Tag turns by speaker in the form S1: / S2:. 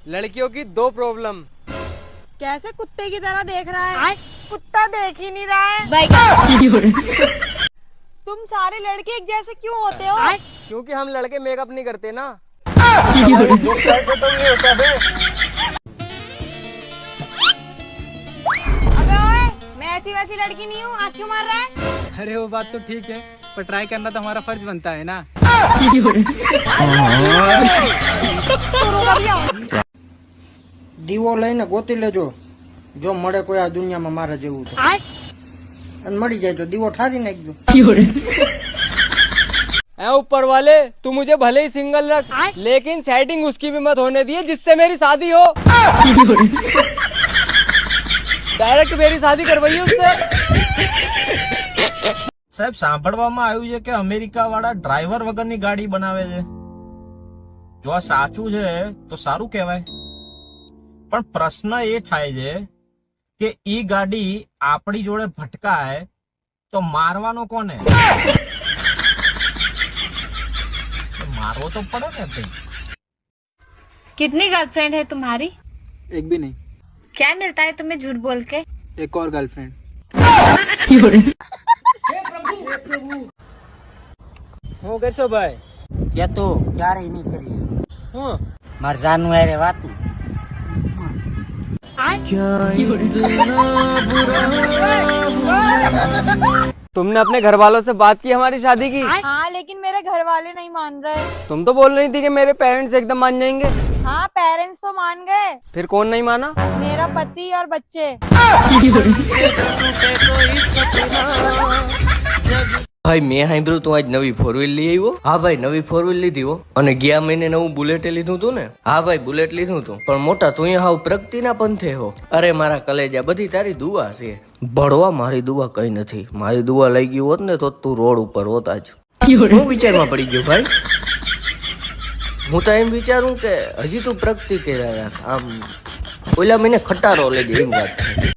S1: लड़कियों की दो प्रॉब्लम।
S2: कैसे कुत्ते की तरह देख रहा है? कुत्ता देख ही नहीं रहा है। तुम सारे लड़के एक जैसे क्यों होते हो?
S1: क्योंकि हम लड़के मेकअप नहीं करते ना।
S2: अबे ओए, मैं ऐसी वैसी लड़की नहीं हूँ, आँख क्यों मार रहा है?
S3: अरे वो बात तो ठीक है, पर ट्राई करना तो हमारा फर्ज बनता है ना।
S4: દીવો લઈને ગોતી લેજો જો મળે કોઈ આ દુનિયામાં મારા જેવું તો અને મળી જાય તો દીવો ઠારી નાખજો।
S1: ऐ ऊपर वाले, तू मुझे भले ही सिंगल रख, लेकिन सेटिंग उसकी भी मत होने दिए जिससे मेरी शादी हो। डायरेक्ट मेरी शादी करवाइए उससे।
S5: સાહેબ સાંભળવામાં આવ્યું છે કે અમેરિકા વાળા ડ્રાઈવર વગરની ગાડી બનાવે છે। જો આ સાચું છે તો સારું કહેવાય, પણ પ્રશ્ન એ થાય છે કે ઈ ગાડી આપણી જોડે ભટકાય તો મારવાનો કોને? मारो तो पड़े ना भाई।
S6: कितनी गर्लफ्रेंड है तुम्हारी?
S3: एक भी नहीं।
S6: क्या मिलता है तुम्हें झूठ बोल के?
S3: एक और गर्लफ्रेंड।
S1: હું કરશો ભાઈ?
S4: કે તો ક્યારેય નહીં કરીએ
S1: હું
S4: માર જાનું હારે વાતું।
S1: तुमने अपने घर वालों से बात की हमारी शादी की?
S2: हाँ, लेकिन मेरे घर वाले नहीं मान रहे।
S1: तुम तो बोल रही थी कि मेरे पेरेंट्स एकदम मान जाएंगे।
S2: हाँ, पेरेंट्स तो मान गए,
S1: फिर कौन नहीं माना?
S2: मेरा पति और बच्चे।
S7: ભાઈ મેં સાંભળ્યું તું આજ નવી ફોર વ્હીલ લઈ આવ્યો? હા ભાઈ નવી ફોર વ્હીલ લીધી હો, અને ગયા મહિને નવું બુલેટ લીધું તું ને? હા ભાઈ બુલેટ લીધું તું, પણ મોટા તું હાવ પ્રગતિના પંથે હો। અરે મારા કલેજા બધી તારી દુઆ છે। ભણવા મારી દુઆ કઈ નથી, મારી દુઆ લઈ ગઈ હોત ને તો તું રોડ ઉપર હોત આજ। હું વિચારમાં પડી ગયો ભાઈ, હું તો એમ વિચારું કે હજી તું પ્રગતિ કર્યા રાખ, આમ ઓલા મહિને ખટારો લેજે એમ વાત।